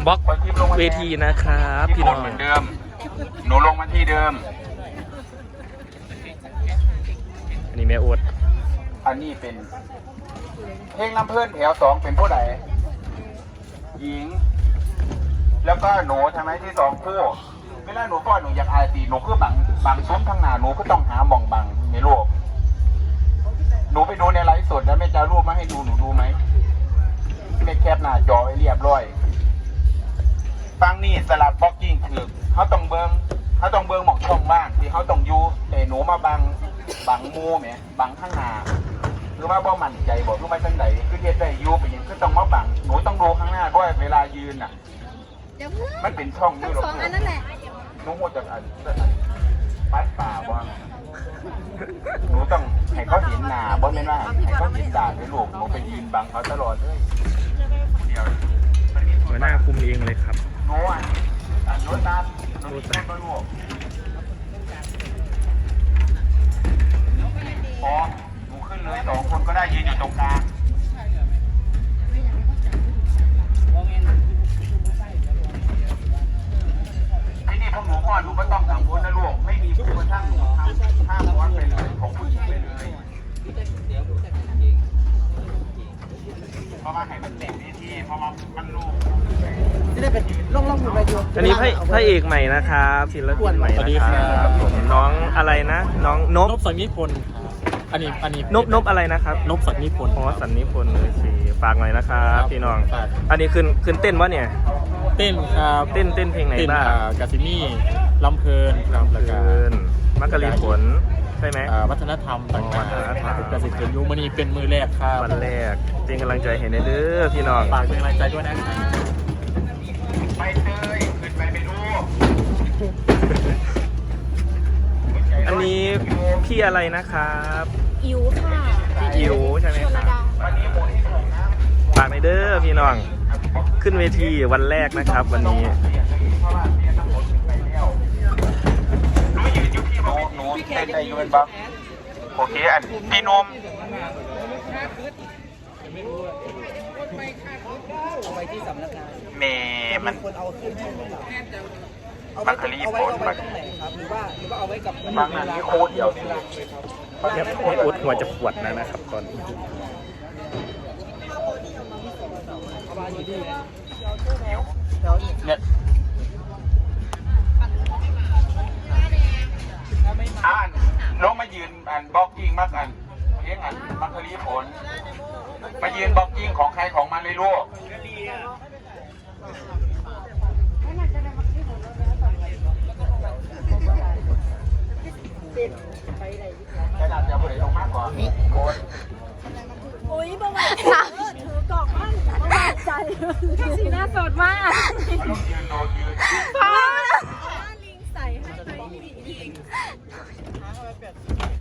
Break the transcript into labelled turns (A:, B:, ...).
A: บล็อกเวทีนะครับพี่น้อง
B: เหมือนเดิมหนูลงมาที่เดิม
A: อันนี้แม่อวด
B: อันนี้เป็นเพลงลำเพื่อนแถว2เป็นผู้ใดหญิงแล้วก็หนูใช่ไหมที่2คู่เวลาหนูป้อนหนูอยากอายตีหนูคือบังซุ้มทางหน้าหนูก็ต้องหาหม่องบังในโลกหนูไปดูในไลฟ์สดแล้วแม่จะรูปมาให้ดูหนูดูไหมแม่แคปหน้าจอไว้เรียบร้อยฟังนี่สลับบล็อกกิ้งคือเขาต้องเบิ้งหม่องช่องบ้างที่เขาต้องอยู่แต่หนูมาบังมูแหมบังข้างหน้าคือว่าบ่มั่นใจบอกรู้ไหมจังไหนคือเฮ็ดได้อยู่ไปยังคือต้องมาบังหนูต้องดูข้างหน้าด้วยเวลายืนน่ะมันเป็นช่องอยู่หรอกอันนั้นแหละหนูหมดจากอันปัดป่าบ่หนูต้องให้เขาเห็นหน้าบ่แม่นว่าให้เขาเห็นตาด้วยลูกหนูไปยืนบังเขาตลอดเลยเดี๋ยว
A: หัวหน้าคุมเองเลยครับ
B: หนูหนูตาหนูตาลูกพอหนูขึ้นเลย2คนก็ได้ยืนอยู่ตรงกลางที่นี่พวกหนูพ่อหนูไม่ต้องกังวลนะลูกไม่มีผู้กระทั่งหนูห้ามม้วนไปเลยของผู้หญิงไปเลยเพราะว่าให้มันเต็มที่เพราะว่ามันลูก
C: จะได้เป็นล่องอยู่ไปอยู่
A: อันนี้พระเอกใหม่นะครับศิลปินใหม่นะครับผมน้องอะไรนะน้องนบ
D: สันนิพนธ์อันนี้
A: นบอะไรนะครับ
D: นบสันนิพนธ์
A: สันนิพนธ์เลยสิฝากหน่อยนะครับพี่น้องอันนี้ขึ้นเต้นวะเนี่ย
D: เต้นครับ
A: เต้นเพลงไหนบ้าง
D: กาซิมี่ลำเพลินครับแล้วก็
A: มักกะลีผลใช่ไหม
D: วัฒนธรรมต่างๆกสิกรยุมณีเป็นมือแรกครับ
A: วันแรกเป็นกำลังใจให้ในเด้อพี่น้อง
D: ฝากเป็นกำลังใจด้วยนะครับ
B: ไปเตยขึ้นไปดู
A: อันนี้พี่อะไรนะครับ
E: อิ๋วค่ะ
A: พี่อิ๋วใช่ไหมครับฝากในเด้อพี่น้องขึ้นเวทีวันแรกนะครับวันนี้
B: หนูเต้นได้ยืนบ้างโอเคอันพี่นม
C: เอาไว้ที่สำนักงาน
B: เมย์มัน
C: คนเอาขึ้นให้
B: มักกะลีผล
C: มันตรงไหนครับหรือว่าเอาไว้กับบ
B: างอันนี้โค้ดเดียว
A: ให้อุดหัวจะปวดนะครับตอนนี้
B: เนี่ยลงมายืนอันบล็อกกิ้งมากอันเลี้ยงอันมักกะลีผลมายืนบล็อกกิ้งของใครของมันเลยลูกขนาดจะบริโภคมากกว่าโค้ด
E: อุ้ยประวัติถือกล่องมั่นประวัติใจสีหน้าสดมาก
B: ยืน
E: พ่อลิงใส่ให้ตัวลิง